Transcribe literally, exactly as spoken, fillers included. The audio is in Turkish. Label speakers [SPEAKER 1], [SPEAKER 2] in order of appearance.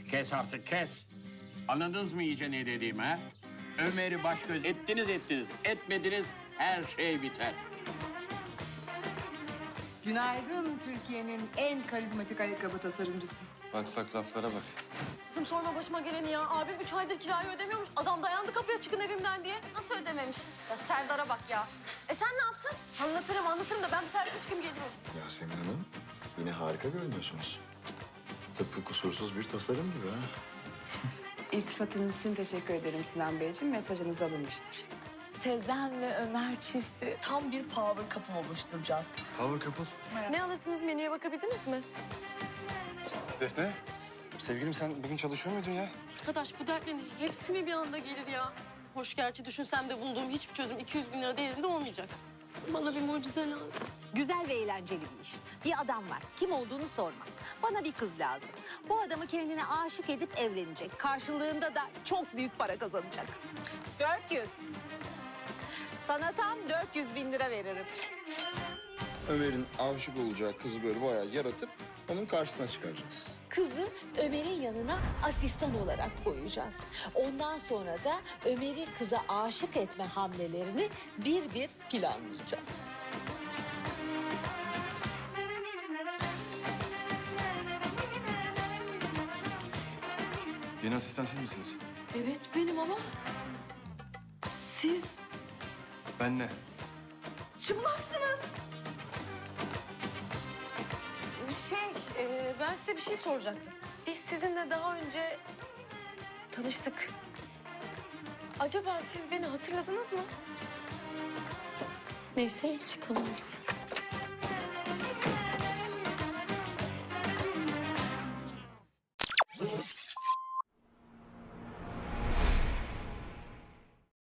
[SPEAKER 1] Kes artık kes. Anladınız mı iyice ne dediğimi ha? Ömer'i baş göz ettiniz ettiniz. Etmediniz her şey biter.
[SPEAKER 2] Günaydın Türkiye'nin en karizmatik ayakkabı tasarımcısı.
[SPEAKER 3] Bak bak laflara bak.
[SPEAKER 4] Kızım sorma başıma geleni ya. Abim üç aydır kirayı ödemiyormuş. Adam dayandı kapıya çıkın evimden diye.
[SPEAKER 5] Nasıl ödememiş? Ya Serdar'a bak ya. E sen ne yaptın?
[SPEAKER 4] Anlatırım anlatırım da ben bir servise çıkayım gelirim.
[SPEAKER 6] Yasemin Hanım, yine harika görünüyorsunuz. Tıpkı kusursuz bir tasarım gibi ha.
[SPEAKER 2] İltifatınız için teşekkür ederim Sinan Beyciğim. Mesajınız alınmıştır.
[SPEAKER 7] Sezen ve Ömer çifti tam bir power couple oluşturacağız.
[SPEAKER 6] Power couple.
[SPEAKER 4] Ne alırsınız, menüye bakabildiniz mi?
[SPEAKER 3] Defne, sevgilim sen bugün çalışıyor muydun ya?
[SPEAKER 4] Arkadaş bu dertlerin hepsi mi bir anda gelir ya? Hoş gerçi düşünsem de bulduğum hiçbir çözüm iki yüz bin lira değerinde olmayacak. Bana bir mucize lazım.
[SPEAKER 8] Güzel ve eğlenceli bir iş. Bir adam var. Kim olduğunu sorma. Bana bir kız lazım. Bu adamı kendine aşık edip evlenecek. Karşılığında da çok büyük para kazanacak. dört yüz. Sana tam dört yüz bin lira veririm.
[SPEAKER 6] Ömer'in aşık olacağı kızı böyle bayağı yaratıp onun karşısına çıkaracağız.
[SPEAKER 7] Kızı Ömer'in yanına asistan olarak koyacağız. Ondan sonra da Ömer'i kıza aşık etme hamlelerini bir bir planlayacağız.
[SPEAKER 3] Yeni asistan siz misiniz?
[SPEAKER 4] Evet benim ama siz
[SPEAKER 3] Ben ne?
[SPEAKER 4] çıplaksınız. Şey, e, ben size bir şey soracaktım. Biz sizinle daha önce tanıştık. Acaba siz beni hatırladınız mı? Neyse çıkalım biz.